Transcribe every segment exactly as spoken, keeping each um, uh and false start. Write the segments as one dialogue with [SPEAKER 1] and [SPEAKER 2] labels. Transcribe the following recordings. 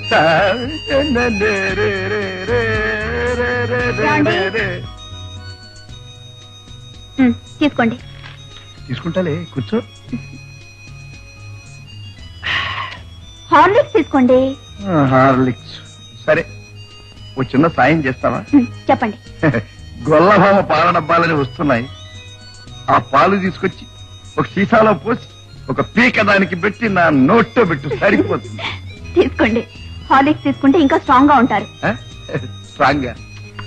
[SPEAKER 1] తీసుకోండి.
[SPEAKER 2] తీసుకుంటాలే, కూర్చో.
[SPEAKER 1] హార్లిక్స్ తీసుకోండి.
[SPEAKER 2] హార్లిక్స్ సరే. ఓ చిన్న సాయం చేస్తావా?
[SPEAKER 1] చెప్పండి.
[SPEAKER 2] గొల్లభామ పాల డబ్బాలని వస్తున్నాయి, ఆ పాలు తీసుకొచ్చి ఒక సీసాలో పోసి ఒక పీక దానికి పెట్టి నా నోట్లో పెట్టు, సరిపోతుంది.
[SPEAKER 1] తీసుకోండి. హార్లిక్స్ తీసుకుంటే ఇంకా స్ట్రాంగ్ గా ఉంటారు.
[SPEAKER 2] స్ట్రాంగ్ గా?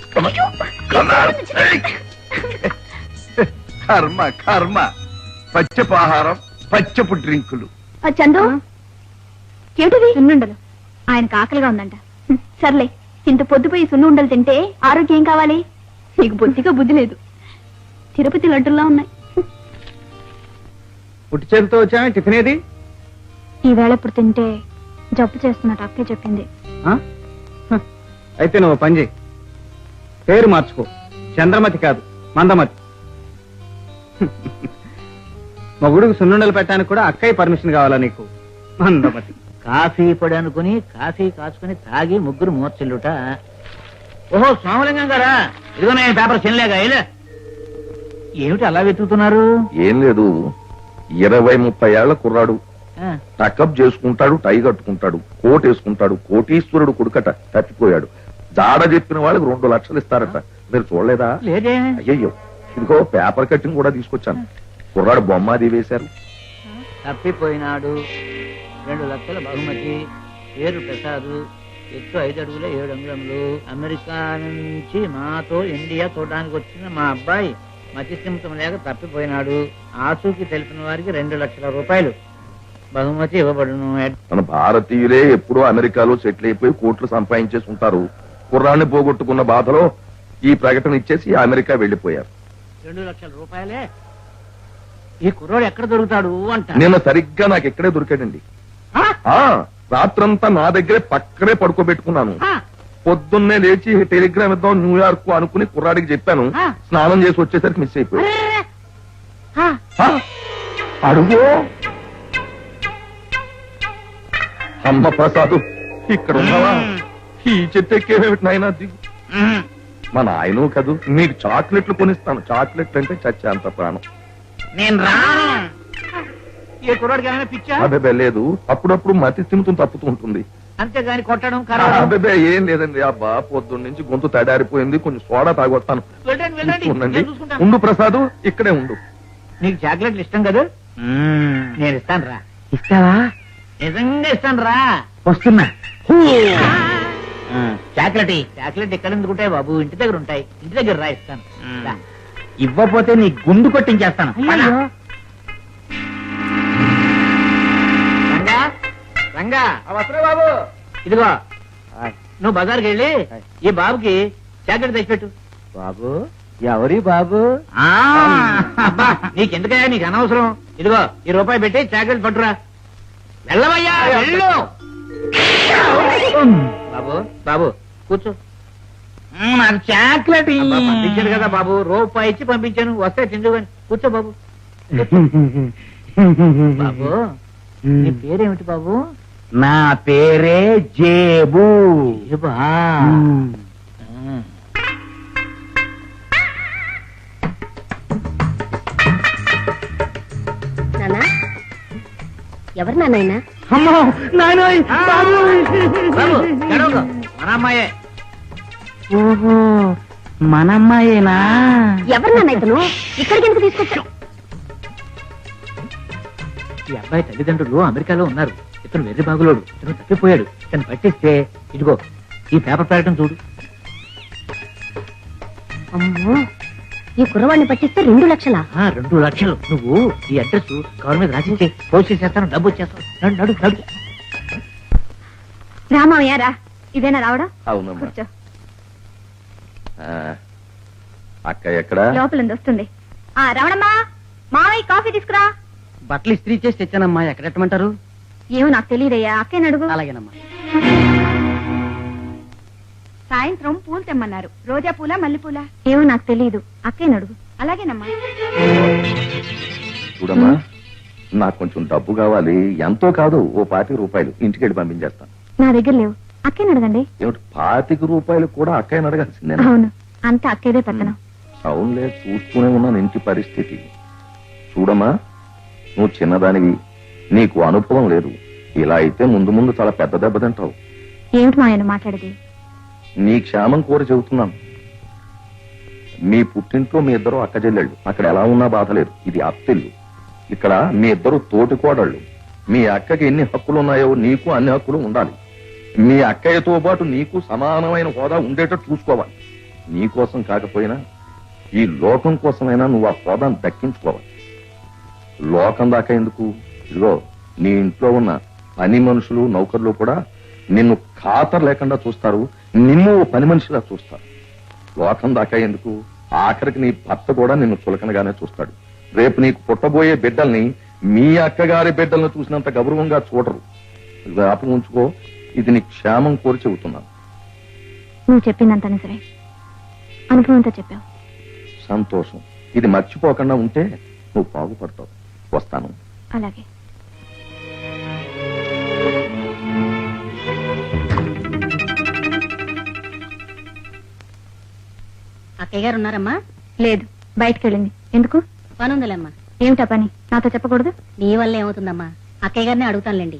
[SPEAKER 2] కర్మ కర్మ. పచ్చపు ఆహారం, పచ్చపు డ్రింకులు.
[SPEAKER 1] చందు, ఏమిటివి? సున్నుండలు. ఆయనకు ఆకలిగా ఉందంట. సర్లే, ఇంత పొద్దుపోయి సున్నుండలు తింటే ఆరోగ్యం ఏం కావాలి? నీకు బొత్తిగా బుద్ధి లేదు. తిరుపతి లడ్డుల్లా ఉన్నాయి.
[SPEAKER 3] పుట్టి చేతితో వచ్చా? టిఫిన్ ఏది?
[SPEAKER 1] ఈ వేళ ఇప్పుడు తింటే జబ్బు చేస్తున్నట్టు అక్కే చెప్పింది.
[SPEAKER 3] అయితే నువ్వు పని చేయి, పేరు మార్చుకో. చంద్రమతి కాదు, మందమతి. మగుడుకు సున్నుండలు పెట్టడానికి కూడా అక్కయ్య పర్మిషన్ కావాలా నీకు? మందమతి.
[SPEAKER 4] కాఫీ పొడి అనుకుని కాఫీ కాచుకుని తాగి ముగ్గురు మూర్చిల్లుట. ఓహో, సోమలింగం గారా? ఇదిగో నేను పేపర్ చెల్లేగా. ఏమిటి అలా వెతుకుతున్నారు?
[SPEAKER 5] ఏం లేదు, ఇరవై ముప్పై ఏళ్ల కుర్రాడు, టకప్ చేసుకుంటాడు, టై కట్టుకుంటాడు, కోట్ వేసుకుంటాడు, కోటీశ్వరుడు కొడుకట, తప్పిపోయాడు. జాడ చెప్పిన వాళ్ళకి రెండు లక్షలు ఇస్తారట. మీరు చూడలేదా?
[SPEAKER 4] లేదే.
[SPEAKER 5] అయ్యయ్యో, ఇదిగో పేపర్ కట్టింగ్ కూడా తీసుకొచ్చాను. కుర్రాడు బొమ్మ అది వేశారు.
[SPEAKER 4] తప్పిపోయినాడు, రెండు లక్షల బహుమతి, పేరు ప్రసాద్, ఎత్తు ఐదు అడుగుల ఏడు అంగుళములు, అమెరికా నుంచి మాతో ఇండియా చూడడానికి వచ్చిన మా అబ్బాయి మతిస్థిమితం లేక తప్పిపోయినాడు. ఆచూకీ తెలిపిన వారికి రెండు లక్షల రూపాయలు బహుమతి ఇవ్వబడును.
[SPEAKER 5] మన భారతీయులే ఎప్పుడో అమెరికాలో సెటిల్ అయిపోయి కోట్లు సంపాదించేసి ఉంటారు. కుర్రాన్ని పోగొట్టుకున్న బాధలో ఈ ప్రకటన ఇచ్చేసి అమెరికా వెళ్లిపోయారు.
[SPEAKER 4] రెండు లక్షల రూపాయలే? ఈ కుర్రోడు ఎక్కడ దొరుకుతాడు అంట.
[SPEAKER 5] నిన్న సరిగ్గా నాకు ఎక్కడే దొరికాడండి. రాత్రంతా నా దగ్గరే పక్కనే పడుకోబెట్టుకున్నాను. పొద్దున్నే లేచి టెలిగ్రామ్ ఇద్దాం న్యూయార్క్ అనుకుని కుర్రాడికి చెప్పాను. స్నానం చేసి వచ్చేసరికి మిస్ అయిపోయాడు. అడుగు అమ్మ ప్రసాద్, ఇక్కడ ఉన్నావా? ఈ చెట్టు ఎక్కేమిటి నాయనా? దిగు. మా నాయను కదూ, నీకు చాక్లెట్లు కొనిస్తాను. చాక్లెట్లు అంటే చచ్చే అంత ప్రాణం.
[SPEAKER 4] నేను రాను. ఏ కుర్రాడికి ఏమైనా పిచ్చా?
[SPEAKER 5] అబ్బే లేదు, అప్పుడప్పుడు మతి తిమ్ముతూ తప్పుతూ ఉంటుంది.
[SPEAKER 4] అంతేగాని కొట్టడం
[SPEAKER 5] అబ్బే ఏం లేదండి. అబ్బా పొద్దున్న నుంచి గొంతు తడారిపోయింది, కొంచెం సోడా తాగొస్తాను. ఉండండి. ఉండు ప్రసాద్, ఇక్కడే ఉండు.
[SPEAKER 4] నీకు చాక్లెట్లు ఇష్టం కదా? నేను ఇస్తాను రా. ఇస్తావా? నిజంగా ఇస్తాను రా. వస్తున్నా. చాక్లెట్ చాక్లెట్ ఎక్కడ ఎందుకుంటాయి బాబు? ఇంటి దగ్గర ఉంటాయి. ఇంటి దగ్గర రా, ఇస్తాను. ఇవ్వపోతే నీ గుండు కొట్టించేస్తాను. రంగా రంగా,
[SPEAKER 3] బాబు
[SPEAKER 4] ఇదిగో నువ్వు బజార్కి వెళ్ళి ఈ బాబుకి చాక్లెట్ తెచ్చిపెట్టు.
[SPEAKER 3] బాబు ఎవరి బాబు?
[SPEAKER 4] అబ్బా నీకెందుకయ్యా, నీకు అనవసరం. ఇదిగో ఈ రూపాయి పెట్టి చాక్లెట్ పట్టురా. వెళ్ళవయ్యా, వెళ్ళు. బాబు బాబు కూర్చో. నాకు చాక్లెట్ పంపించాను కదా బాబు, రూపాయి ఇచ్చి పంపించాను. వస్తే తిందు కానీ కూర్చో బాబు. బాబు నీ పేరేమిటి బాబు?
[SPEAKER 3] నా పేరే జేబు.
[SPEAKER 4] జేబా?
[SPEAKER 1] ఎవరు నాయనా?
[SPEAKER 3] అమ్మో నాయనోయ్, బాబు.
[SPEAKER 4] మన అమ్మాయే.
[SPEAKER 3] ఓహో మన అమ్మాయేనా?
[SPEAKER 1] ఎవరు నాన్న ఇతను? ఇక్కడికి ఎందుకు తీసుకొచ్చావు?
[SPEAKER 4] ఈ అబ్బాయి తల్లిదండ్రులు అమెరికాలో ఉన్నారు. ఇతను వెర్రి బాగులోడు. ఇతను తప్పిపోయాడు. ఇతను పట్టిస్తే ఇదిగో ఈ పేపర్ ప్రకటన చూడు.
[SPEAKER 1] అమ్మో, ఈ కుర్రవాడిని పట్టిస్తే రెండు లక్షలా?
[SPEAKER 4] రెండు లక్షలు. నువ్వు ఈ అడ్రస్ కవర్ మీద రాసిస్తే పోస్ట్ చేసేస్తాను, డబ్బు వచ్చేస్తాను. నడు నడు నడు.
[SPEAKER 1] రామయ్య రా. ఇదేనా రావడం?
[SPEAKER 5] అవునమ్మా.
[SPEAKER 1] కూర్చో.
[SPEAKER 5] అక్క ఎక్కడ?
[SPEAKER 1] లోపల వస్తుంది. ఆ రావడమ్మా, మావయ్య కాఫీ తీసుకురా.
[SPEAKER 3] బట్టలు ఇస్త్రీ చేసి తెచ్చానమ్మా. ఎక్కడెట్టమంటారు?
[SPEAKER 1] ఏమో నాకు తెలియదయ్యా, అక్కేని అడుగు.
[SPEAKER 3] అలాగేనమ్మా.
[SPEAKER 1] సాయంత్రం పూలు తెమ్మన్నారు. రోజా పూల, మల్లెపూల? ఏమో నాకు తెలియదు, అక్కేని అడుగు. అలాగేనమ్మా.
[SPEAKER 5] చూడమ్మా, నాకు కొంచెం డబ్బు కావాలి. ఎంతో కాదు, ఓ పాతి రూపాయలు. ఇంటికి వెళ్ళి పంపించేస్తాను.
[SPEAKER 1] నా దగ్గర లేవు. అక్కేని అడగండి.
[SPEAKER 5] ఏమిటి పాతిక రూపాయలు కూడా అక్కయ్యని అడగాల్సిందే?
[SPEAKER 1] అవును, అంత అక్కేదే పెత్తనం.
[SPEAKER 5] అవునులే, చూస్తూనే ఉన్నాను ఇంటి పరిస్థితి. చూడమ్మా, నువ్వు చిన్నదానివి, నీకు అనుభవం లేదు. ఇలా అయితే ముందు ముందు చాలా పెద్ద దెబ్బ తింటావు.
[SPEAKER 1] ఏమిటి మా ఆయన మాట్లాడేది?
[SPEAKER 5] నీ క్షేమం కోరి చెబుతున్నాను. మీ పుట్టింట్లో మీ ఇద్దరు అక్క చెల్లెళ్ళు, అక్కడ ఎలా ఉన్నా బాధ లేదు. ఇది అత్తిల్లు. ఇక్కడ మీ ఇద్దరు తోటి కోడళ్ళు. మీ అక్కకి ఎన్ని హక్కులు ఉన్నాయో నీకు అన్ని హక్కులు ఉండాలి. మీ అక్కయ్యతో పాటు నీకు సమానమైన హోదా ఉండేటట్టు చూసుకోవాలి. నీ కోసం కాకపోయినా ఈ లోకం కోసమైనా నువ్వు ఆ హోదాను దక్కించుకోవాలి. లోకం దాకా ఎందుకు? ఇదిగో నీ ఇంట్లో ఉన్న పని మనుషులు నౌకర్లు కూడా నిన్ను ఖాతరు లేకుండా చూస్తారు, నిన్ను ఓ పని మనిషిలా చూస్తారు. లోకం దాకా ఎందుకు? ఆఖరికి నీ భర్త కూడా నిన్ను చులకనగానే చూస్తాడు. రేపు నీకు పుట్టబోయే బిడ్డల్ని మీ అక్కగారి బిడ్డలను చూసినంత గౌరవంగా చూడరు. జ్ఞాపకం ఉంచుకో, ఇది నీ క్షేమం కోరి చెబుతున్నాను.
[SPEAKER 1] నువ్వు చెప్పిందంతా నిజమే, అనుభవంతో చెప్పావు.
[SPEAKER 5] సంతోషం. ఇది మర్చిపోకుండా ఉంటే నువ్వు బాగుపడతావు. వస్తాను.
[SPEAKER 1] అలాగే.
[SPEAKER 6] అక్కయ్య గారు ఉన్నారమ్మా?
[SPEAKER 1] లేదు, బయటకు వెళ్ళింది. ఎందుకు?
[SPEAKER 6] పనుందిలేమ్మా.
[SPEAKER 1] ఏమిటా పని? నాతో చెప్పకూడదు?
[SPEAKER 6] నీ వల్ల ఏమవుతుందమ్మా, అక్కయ్య గారిని అడుగుతానులేండి.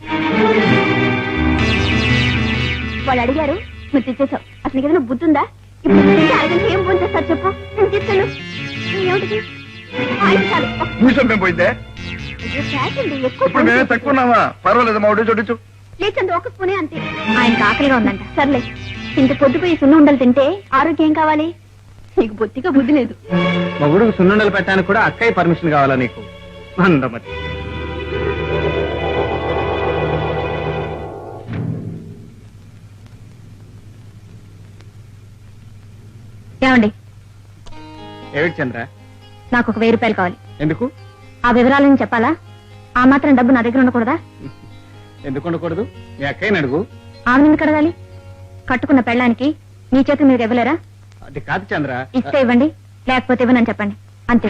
[SPEAKER 1] వాళ్ళు అడిగారు, నువ్వు తెచ్చేసావు. అసలు నీకు ఏదైనా బుద్ధి ఉందా? ఇప్పుడు తింటే అరగంట ఏం ఫోన్ చేస్తారు చెప్పు. నేను తీసుకెళ్ళు. ఏమిటి? ఆయిల్ చాలు.
[SPEAKER 2] నిమిషం మేము పోయిందే.
[SPEAKER 1] అయ్యో, ఫ్యాషన్ ఇది. ఎక్కువ
[SPEAKER 2] ఇప్పుడు మేమే తక్కువ ఉన్నామా? పర్వాలేదు, మా ఒకటి చూడొచ్చు.
[SPEAKER 1] లేచంత ఒక స్పూనే అంతే. ఆయనకు ఆకలిగా ఉందంట. సర్లే, ఇంత పొద్దుపోయి సున్న ఉండలు తింటే ఆరోగ్యం ఏం కావాలి? నీకు బొత్తిగా బుద్ధి లేదు.
[SPEAKER 3] మొగుడుకు సున్నుండలు పెట్టడానికి కూడా అక్కయ్య పర్మిషన్ కావాలా నీకు? అందమతి.
[SPEAKER 1] ఏమండి,
[SPEAKER 3] ఏమిటి చంద్ర?
[SPEAKER 1] నాకు ఒక వెయ్యి రూపాయలు కావాలి.
[SPEAKER 3] ఎందుకు?
[SPEAKER 1] ఆ వివరాలను చెప్పాలా? ఆ మాత్రం డబ్బు నా దగ్గర ఉండకూడదా?
[SPEAKER 3] ఎందుకు ఉండకూడదు? మీ అక్కయ్యని అడుగు.
[SPEAKER 1] ఆమె ఎందుకు అడగాలి? కట్టుకున్న పెళ్ళానికి మీ చేతి మీరు ఇవ్వలేరా?
[SPEAKER 3] అది కాదు చంద్ర.
[SPEAKER 1] ఇస్తే ఇవ్వండి, లేకపోతే ఇవ్వనని చెప్పండి, అంతే.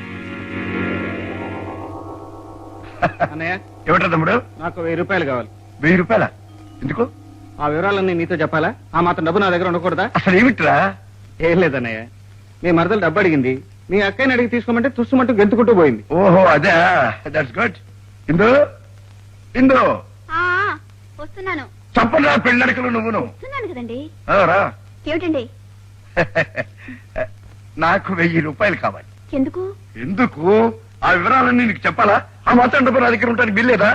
[SPEAKER 3] అన్నయ్య,
[SPEAKER 2] ఏమిటా తమ్ముడు?
[SPEAKER 3] నాకు వెయ్యి రూపాయలు కావాలి.
[SPEAKER 2] వెయ్యి రూపాయల ఎందుకు?
[SPEAKER 3] ఆ వివరాలన్నీ నీతో చెప్పాలా? ఆ మాత్రం డబ్బు నా దగ్గర ఉండకూడదా?
[SPEAKER 2] అసలు ఏమిట్రా?
[SPEAKER 3] ఏం లేదన్నయ్య, మీ మరదలు డబ్బు అడిగింది. మీ అక్కయ్యని అడిగి తీసుకోమంటే తుస్సుమంటూ గెంతుకుంటూ పోయింది.
[SPEAKER 2] ఓహో, అదే. That's good. ఇందు ఇందు
[SPEAKER 1] వస్తున్నాను.
[SPEAKER 2] చప్పరా పెళ్ళడికలు నువ్వును.
[SPEAKER 1] వస్తున్నాను కదండి.
[SPEAKER 2] ఆ, రా.
[SPEAKER 1] ఏమిటండి?
[SPEAKER 2] నాకు వెయ్యి రూపాయలు కావాలి.
[SPEAKER 1] ఎందుకు?
[SPEAKER 2] ఎందుకు? ఆ వివరాలన్నీ నీకు చెప్పాలా? ఆ మాత్రం డబ్బు నా దగ్గర ఉంటాను, బిల్లేదా?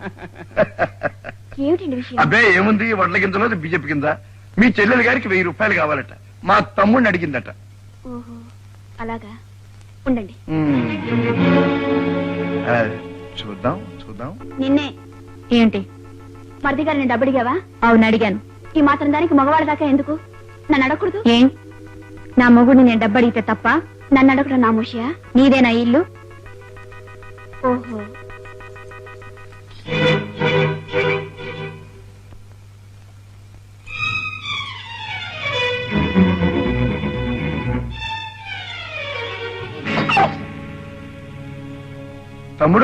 [SPEAKER 1] ఏమిటండి విషయం?
[SPEAKER 2] అబ్బే ఏముంది, వడ్ల కిందలో బీజేపీ కింద మీ చెల్లెలు గారికి వెయ్యి రూపాయలు కావాలట. మా తమ్ముడిని అడిగిందట.
[SPEAKER 1] ఓహో, అలాగా. ఉండండి.
[SPEAKER 2] ఉమ్. ఆ, చూద్దాం చూద్దాం.
[SPEAKER 1] నిన్నే. ఏంటి? మరిది గారిని డబ్బు అడిగావా? అవును, అడిగాను. ఈ మాత్రం దానికి మగవాళ్ళ దాకా ఎందుకు? నన్ను అడగకూడదు? ఏం, నా మొగుడిని నేను డబ్బు అడిగితే తప్ప? నన్ను అడగడం నా ముషియా? నీదేనా ఇల్లు? ఓహో.
[SPEAKER 2] తమ్ముడు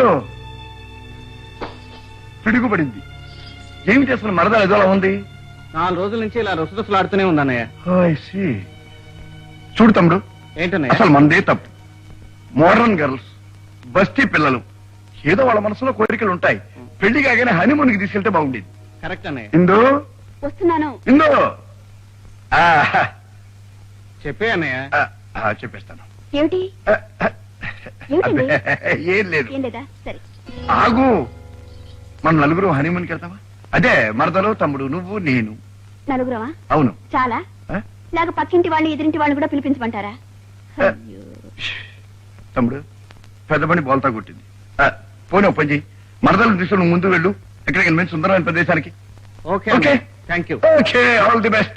[SPEAKER 2] పిడుగుపడింది. ఏమి చేస్తున్న మరదలు ఎదోలా ఉంది?
[SPEAKER 3] నాలుగు రోజుల నుంచి ఇలా రుసరుసలు ఆడుతూనే ఉంది అన్నయ్య.
[SPEAKER 2] Oh, I see. చూడు తమ్ముడు,
[SPEAKER 3] ఏంటన్నయ్య?
[SPEAKER 2] అసలు మనదే తప్పు. మోడర్న్ గర్ల్స్, బస్తీ పిల్లలు, ఏదో వాళ్ళ మనసులో కోరికలు ఉంటాయి. పెళ్లి కాగానే హనీమూన్కి తీసుకెళ్తే బాగుండేది.
[SPEAKER 3] కరెక్ట్ అన్నయ్య.
[SPEAKER 2] ఇందు
[SPEAKER 1] వస్తున్నాను.
[SPEAKER 2] ఇందు ఆ,
[SPEAKER 3] చెప్పే అన్నయ్య.
[SPEAKER 2] ఆ, ఆ, చెప్పేస్తాను.
[SPEAKER 1] ఏమిటి?
[SPEAKER 2] ఆ, ఆ,
[SPEAKER 1] ఏమిటండి?
[SPEAKER 2] అబ్బే, ఏం లేదు.
[SPEAKER 1] ఏం లేదా? సరే.
[SPEAKER 2] ఆగు, మనం నలుగురు హనీమూన్కి వెళ్తావా? అదే మరదలు, తమ్ముడు, నువ్వు, నేను.
[SPEAKER 1] నలుగురమా?
[SPEAKER 2] అవును.
[SPEAKER 1] చాలా.
[SPEAKER 2] ఆ?
[SPEAKER 1] లేక పక్కింటి వాళ్ళు ఎదురింటి వాళ్ళు కూడా పిలిపించమంటారా?
[SPEAKER 2] ఆ. తమ్ముడు, పెద్ద పని బోల్తా కొట్టింది. ఆ, పోనీ ఒక పని చెయ్యి, మరదలు తీసుకుని ముందు వెళ్ళు. ఎక్కడికి మంచి సుందరమైన ప్రదేశానికి.
[SPEAKER 3] Okay
[SPEAKER 2] okay.
[SPEAKER 3] Thank you.
[SPEAKER 2] Okay, all the best.